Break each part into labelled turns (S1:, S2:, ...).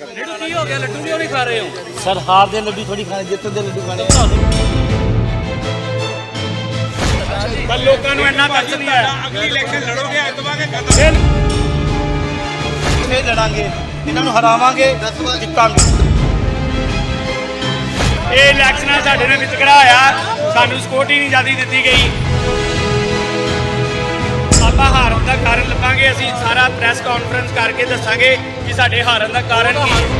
S1: ਲੱਡੂ ਕੀ ਹੋ ਗਿਆ? ਲੱਡੂ ਕਿਉਂ ਨਹੀਂ ਖਾ ਰਹੇ ਹੋ?
S2: सर हार दे लड्डू थोड़ी खाने, जितने दे लड्डू खाने।
S3: ਪਰ ਲੋਕਾਂ ਨੂੰ ਇੰਨਾ ਤਰਸ ਨਹੀਂ ਆਇਆ। ਅਗਲੀ ਇਲੈਕਸ਼ਨ ਲੜੋਗੇ ਐਤਵਾਰ ਕੇ ਖਤਮ।
S2: ਫੇਰ ਲੜਾਂਗੇ, ਇਹਨਾਂ ਨੂੰ ਹਰਾਵਾਂਗੇ, ਜਿੱਤਾਂਗੇ।
S3: ਇਹ ਇਲੈਕਸ਼ਨਾਂ ਸਾਡੇ ਨਾਲ ਵਿਤਕਰਾ ਹੋਇਆ, ਸਾਨੂੰ ਸਿਕਿਉਰਿਟੀ ਨਹੀਂ ਜ਼ਿਆਦਾ ਦਿੱਤੀ ਗਈ। ਆਪਾਂ ਹਾਰਨ ਦਾ ਕਾਰਨ ਲੱਭਾਂਗੇ, ਅਸੀਂ ਸਾਰਾ ਪ੍ਰੈਸ ਕਾਨਫਰੰਸ ਕਰਕੇ ਦੱਸਾਂਗੇ ਕਿ ਸਾਡੇ ਹਾਰਨ ਦਾ ਕਾਰਨ ਕੀ ਹੈ।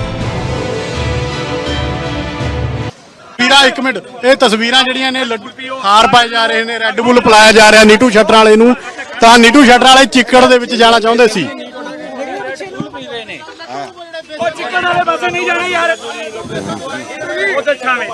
S4: ਵੀਰਾ ਇੱਕ ਮਿੰਟ, ਇਹ ਤਸਵੀਰਾਂ ਜਿਹੜੀਆਂ ਨੇ ਲੱਡੂ ਹਾਰ ਪਾਏ ਜਾ ਰਹੇ ਨੇ, ਰੈੱਡ ਬੁੱਲ ਪਿਲਾਇਆ ਜਾ ਰਿਹਾ ਨੀਟੂ ਸ਼ਟਰ ਵਾਲੇ ਨੂੰ। ਤਾਂ ਨੀਟੂ ਸ਼ਟਰ ਵਾਲੇ ਚਿੱਕੜ ਦੇ ਵਿੱਚ ਜਾਣਾ ਚਾਹੁੰਦੇ ਸੀ।
S3: ਉਹ ਚਿੱਕਣ ਵਾਲੇ ਪਾਸੇ ਨਹੀਂ ਜਾਣਾ ਯਾਰ, ਉਧਰ ਛਾਵੇਂ।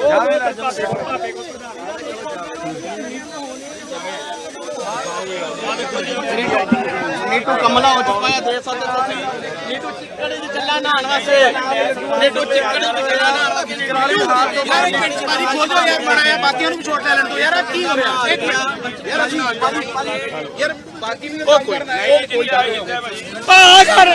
S2: नीटू कमला हो चुका है, देख सकते हो। नीटू चिक्कड़ी च चला नहान वास्ते, नीटू चिक्कड़ी च चला नहान वास्ते। पारी खोल दो यार, बनाया बाकियों ਨੂੰ ਛੋਟ ਲੈ ਲੈਣ ਦੋ ਯਾਰ। ਕੀ ਹੋ ਰਿਹਾ ਇੱਕ ਮਿੰਟ ਯਾਰ, ਅਸੀਂ ਯਾਰ ਬਾਕੀ ਵੀ ਕੰਮ ਕਰਨਾ ਹੈ।
S3: ਆ ਕਰ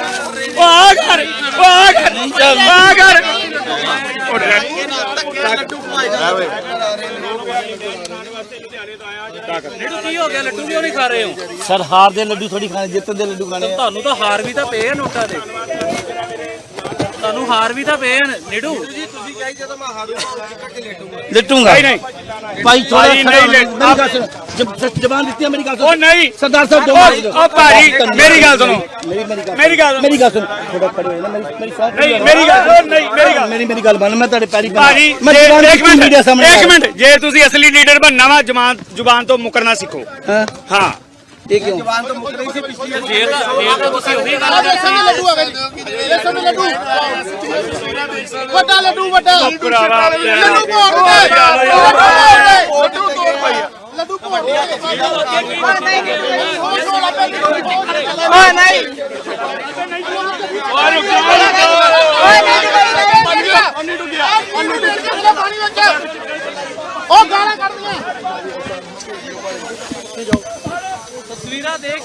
S1: ਲੱਡੂ ਕੀ ਹੋ ਗਿਆ? ਲੱਡੂ ਕਿਉਂ ਨਹੀਂ ਖਾ ਰਹੇ ਹੋ?
S2: सर हार दे लड्डू थोड़ी खाने, जितने दे लड्डू खाने।
S1: ਤੁਹਾਨੂੰ ਤਾਂ ਹਾਰ ਵੀ ਤਾਂ ਪਏ ਆ ਨੋਟਾਂ ਦੇ, ਤੁਹਾਨੂੰ ਹਾਰ ਵੀ ਤਾਂ ਪਏ ਆ ਨੀਡੂ।
S2: लिटूंगा
S3: नहीं
S2: भाई, थोड़ा
S3: भाई, नहीं ले-
S2: जबान देती है मेरी।
S3: ਉਹ ਨਹੀਂ
S2: सरदार साहब
S3: ਉਹ ਭਾਜੀ ਮੇਰੀ ਗੱਲ सुनो,
S2: मेरी गल सुन। थोड़ा खड़े हो ना, मेरी साथ
S3: नहीं मेरी ਗੱਲ नहीं
S2: मेरी गल मान। मैं तेरे पैरी
S3: ਭਾਜੀ
S2: मैं जबान
S3: ਇੱਕ ਮਿੰਟ
S2: मीडिया सामने
S3: ਇੱਕ ਮਿੰਟ, ਜੇ ਤੁਸੀਂ ਅਸਲੀ ਲੀਡਰ ਬਣਨਾ ਵਾ ਜ਼ੁਬਾਨ ਤੋਂ ਮੁਕਰਨਾ ਸਿੱਖੋ।
S2: हां
S3: ਹਾਂ
S2: ये क्यों?
S1: ਫੇਰ ਤਾਂ ਤੁਸੀਂ ਉਹੀ ਗੱਲ
S4: ਵੱਡਾ ਲੱਡੂ, ਵੱਡਾ
S3: ਭਰਾਵਾ
S4: ਲੱਡੂ ਭੋਗ ਦੇ, ਲੱਡੂ ਭੋਗ ਦੇ। ਉਹ ਗਾਲਾਂ ਕੱਢਦੀਆਂ
S1: ਤਸਵੀਰਾਂ ਦੇਖ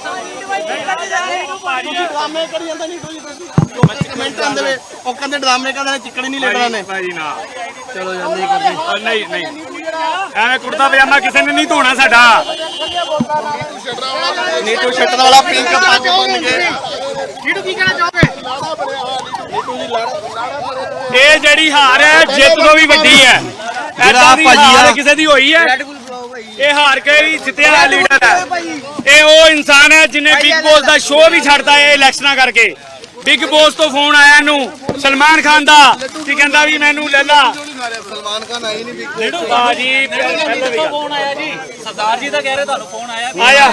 S2: ਡਰਾਮੇ ਕਰੀ ਜਾਂਦਾ ਨੀਟੂ ਜੀ। ਕਮੈਂਟ ਆਂਦੇ ਵੇ, ਉਹ ਕਹਿੰਦੇ ਡਰਾਮੇ ਕਰਦੇ ਚਿੱਕੜੀ ਨਹੀਂ ਲੈਣਾ ਨੇ।
S3: ਭਾਜੀ ਨਾ
S2: ਚਲੋ ਜਾਂਦੇ ਕਰਦੇ।
S3: ਨਹੀਂ ਐਵੇਂ ਕੁੜਤਾ ਪਜਾਮਾ ਕਿਸੇ ਨੇ ਨਹੀਂ ਧੋਣਾ ਸਾਡਾ।
S2: ਨੀਟੂ ਸ਼ਟਰ ਵਾਲਾ ਪਿੰਕ ਪੱਗ ਬੰਨ ਕੇ।
S4: ਨੀਟੂ ਕੀ ਕਹਿਣਾ ਚਾਹੋਗੇ?
S3: ਇਹ ਜਿਹੜੀ ਹਾਰ ਹੈ ਜਿੱਤ ਤੋਂ ਵੀ ਵੱਡੀ ਹੈ। ਐਦਾਂ ਦੀ ਹਾਰ ਕਿਸੇ ਦੀ ਹੋਈ ਹੈ? ਇਹ ਹਾਰ ਕੇ ਹੀ ਜਿੱਤਿਆ ਹੋਇਆ ਲੀਡਰ ਹੈ। ਇਹ ਉਹ ਇਨਸਾਨ ਹੈ ਜਿਹਨੇ ਬਿਗ ਬੌਸ ਦਾ ਸ਼ੋਅ ਵੀ ਛੱਡਤਾ ਹੈ ਇਲੈਕਸ਼ਨਾਂ ਕਰਕੇ। ਬਿਗ ਬੌਸ ਤੋਂ ਫੋਨ ਆਇਆ ਇਹਨੂੰ ਸਲਮਾਨ ਖਾਨ ਦਾ, ਕੀ ਕਹਿੰਦਾ ਵੀ ਮੈਨੂੰ ਲੈ ਲਾ।
S2: ਸਲਮਾਨ ਖਾਨ ਆਈ ਨਹੀਂ ਬਿਗ
S1: ਨੀਡੂ
S3: ਬਾਜੀ
S1: ਫੋਨ ਆਇਆ ਜੀ, ਸਰਦਾਰ ਜੀ ਦਾ ਕਹਿ ਰਹੇ ਤੁਹਾਨੂੰ ਫੋਨ ਆਇਆ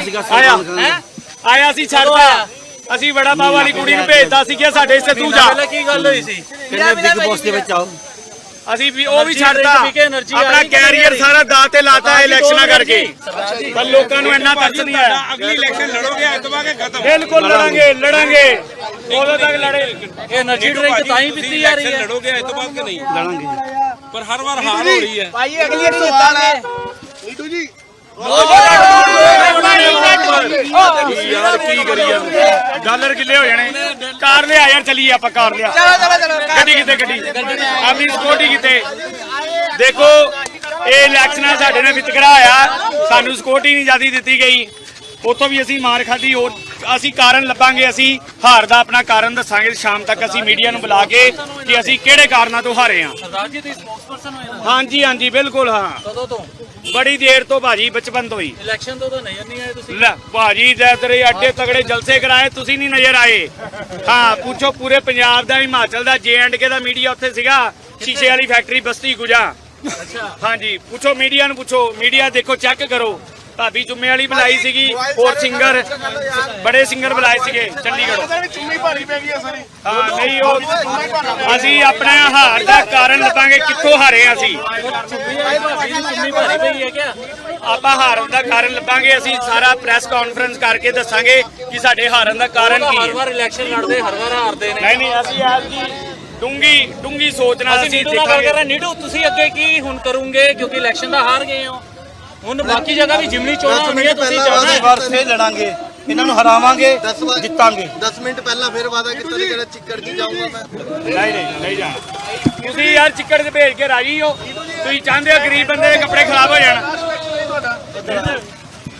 S3: ਆਇਆ ਸੀ ਛੱਡਤਾ। ਅਸੀਂ ਬੜਾ ਬਾਬਾ ਵਾਲੀ ਕੁੜੀ ਨੂੰ ਭੇਜਦਾ ਸੀ ਕਿ ਸਾਡੇ ਇੱਥੇ ਤੂੰ ਜਾ।
S1: ਕੀ ਗੱਲ ਹੋਈ ਸੀ?
S2: ਕਹਿੰਦੇ ਬਿਗ ਬੌਸ ਦੇ ਵਿੱਚ ਆਓ।
S3: ਅਸੀਂ ਵੀ ਉਹ ਵੀ ਛੱਡਤਾ, ਆਪਣਾ ਕੈਰੀਅਰ ਸਾਰਾ ਦਾਅ ਤੇ ਲਾਤਾ ਇਲੈਕਸ਼ਨਾਂ ਕਰਕੇ। ਪਰ ਲੋਕਾਂ ਨੂੰ ਇੰਨਾ ਤਰਸ ਨਹੀਂ ਆਇਆ। ਅਗਲੀ ਇਲੈਕਸ਼ਨ ਲੜੋਗੇ ਐਤਵਾਰ ਕੇ ਖਤਮ। ਬਿਲਕੁਲ ਲੜਾਂਗੇ ਉਦੋਂ ਤੱਕ ਲੜੇ।
S1: ਇਹ એનર્ਜੀ ਡਰਿੰਕ ਤਾਂ ਹੀ ਪੀਤੀ ਜਾ ਰਹੀ ਹੈ।
S3: ਲੜੋਗੇ ਐਤਵਾਰ ਕੇ ਨਹੀਂ
S2: ਲੜਾਂਗੇ
S3: ਪਰ ਹਰ ਵਾਰ ਹਾਰ ਹੋ ਰਹੀ ਹੈ।
S2: ਭਾਈ ਅਗਲੀ ਸਵਾਲ ਹੈ ਨੀਟੂ ਜੀ।
S3: ਯਾਰ ਕੀ ਕਰੀ ਜਾਂਦੇ, ਡਾਲਰ ਕਿੱਲੇ ਹੋ ਜਾਣੇ। ਕਾਰ ਲਿਆ ਯਾਰ, ਚੱਲੀਏ ਆਪਾਂ ਕਾਰ ਲਿਆ। ਗੱਡੀ ਕਿਤੇ ਆਪਣੀ ਸਿਕਿਉਰਿਟੀ ਕਿਤੇ। ਦੇਖੋ ਇਹ ਇਲੈਕਸ਼ਨਾਂ ਸਾਡੇ ਨਾਲ ਵਿਤਕਰਾ ਹੋਇਆ, ਸਾਨੂੰ ਸਿਕਿਉਰਿਟੀ ਨਹੀਂ ਜ਼ਿਆਦਾ ਦਿੱਤੀ ਗਈ। ਉੱਥੋਂ ਵੀ ਅਸੀਂ ਮਾਰ ਖਾਧੀ। ਹੋਰ ਅਸੀਂ ਕਾਰਨ ਲੱਭਾਂਗੇ, ਅਸੀਂ ਹਾਰ ਦਾ ਆਪਣਾ ਕਾਰਨ ਦੱਸਾਂਗੇ। ਸ਼ਾਮ ਤੱਕ ਅਸੀਂ ਮੀਡੀਆ ਨੂੰ ਬੁਲਾ ਕੇ ਕਿ ਅਸੀਂ ਕਿਹੜੇ ਕਾਰਨਾਂ ਤੋਂ ਹਾਰੇ ਹਾਂ।
S1: ਸਰਦਾਰ ਜੀ ਤੁਸੀਂ ਸਪੋਕਸਪਰਸਨ ਹੋਏ ਨਾ?
S3: ਹਾਂਜੀ ਬਿਲਕੁਲ। ਹਾਂ
S1: ਕਦੋਂ ਤੋਂ?
S3: ਬੜੀ ਦੇਰ ਤੋਂ ਭਾਜੀ, ਬਚਪਨ ਤੋਂ ਹੀ।
S1: ਇਲੈਕਸ਼ਨ ਤੋਂ ਤਾਂ ਨਜ਼ਰ ਨਹੀਂ ਆਏ ਤੁਸੀਂ।
S3: ਲੈ ਭਾਜੀ ਜੈ ਤੇਰੇ ਅੱਡੇ ਤਗੜੇ ਜਲਸੇ ਕਰਾਏ, ਤੁਸੀਂ ਨਹੀਂ ਨਜ਼ਰ ਆਏ। ਹਾਂ ਪੁੱਛੋ ਪੂਰੇ ਪੰਜਾਬ ਦਾ, ਹਿਮਾਚਲ ਦਾ, JNK ਦਾ ਮੀਡੀਆ ਉੱਥੇ ਸੀਗਾ। ਸ਼ੀਸ਼ੇ ਵਾਲੀ ਫੈਕਟਰੀ ਬਸਤੀ ਗੁਜਾ।
S1: ਅੱਛਾ
S3: ਹਾਂਜੀ ਪੁੱਛੋ ਮੀਡੀਆ ਨੂੰ, ਪੁੱਛੋ ਮੀਡੀਆ ਦੇਖੋ, ਚੈੱਕ ਕਰੋ। ਭਾਬੀ ਜੁੰਮੇ ਵਾਲੀ ਬੁਲਾਈ ਸੀਗੀ, ਹੋਰ ਸਿੰਗਰ ਬੜੇ ਸਿੰਗਰ ਬੁਲਾਏ ਸੀਗੇ ਚੰਡੀਗੜ੍ਹੋਂ।
S4: ਚੁੰਨੀ ਭਾਰੀ ਪੈ ਗਈ ਸਾਰੀ।
S3: ਹਾਂ ਨਹੀਂ ਉਹ ਅਸੀਂ ਆਪਣਾ ਹਾਰ ਦਾ ਕਾਰਨ ਲੱਭਾਂਗੇ, ਕਿੱਥੋਂ ਹਾਰੇ ਅਸੀਂ।
S1: ਚੁੰਨੀ ਭਾਰੀ ਪਈ ਹੈ ਕਿਆ?
S3: ਆਪਾਂ ਹਾਰਨ ਦਾ ਕਾਰਨ ਲੱਭਾਂਗੇ, ਅਸੀਂ ਸਾਰਾ ਪ੍ਰੈਸ ਕਾਨਫਰੰਸ ਕਰਕੇ ਦੱਸਾਂਗੇ ਕਿ ਸਾਡੇ ਹਾਰਨ ਦਾ ਕਾਰਨ ਕੀ
S1: ਹਰ
S3: ਹੈ।
S1: ਵਾਰ ਇਲੈਕਸ਼ਨ ਲੜਦੇ, ਹਰ ਵਾਰ ਹਾਰਦੇ ਨੇ।
S3: ਨਹੀਂ ਅਸੀਂ ਆਪ ਜੀ ਡੂੰਗੀ ਸੋਚ ਨਾਲ ਅਸੀਂ
S1: ਨੀਡੂ ਨਾਲ ਗੱਲ ਕਰ ਰਹੇ। ਨੀਡੂ ਤੁਸੀਂ ਅੱਗੇ ਕੀ ਹੁਣ ਕਰੋਗੇ, ਕਿਉਂਕਿ ਇਲੈਕਸ਼ਨ ਦਾ ਹਾਰ ਗਏ ਹੋ। ਹੁਣ ਬਾਕੀ ਜਗ੍ਹਾ ਵੀ ਜਿਮਨੀ ਚੋਣਾਂ ਹੋਣੀਆਂ, ਤੁਸੀਂ ਜਾਣਾ
S2: ਵਾਰ ਫੇਰ ਲੜਾਂਗੇ,
S3: ਇਹਨਾਂ ਨੂੰ ਹਰਾਵਾਂਗੇ,
S2: 10
S3: ਜਿੱਤਾਂਗੇ।
S2: 10 ਮਿੰਟ ਪਹਿਲਾਂ ਫਿਰ ਵਾਦਾ ਕੀਤਾ ਸੀ ਕਿ ਚਿੱਕੜ ਦੀ ਜਾਊਂਗਾ ਮੈਂ।
S3: ਨਹੀਂ ਜਾਣਾ। ਤੁਸੀਂ ਯਾਰ ਚਿੱਕੜ 'ਚ ਭੇਜ ਕੇ ਰਾਜੀ ਹੋ? ਤੁਸੀਂ ਚਾਹੁੰਦੇ ਹੋ ਗਰੀਬ ਬੰਦੇ ਦੇ ਕੱਪੜੇ ਖਰਾਬ ਹੋ ਜਾਣ?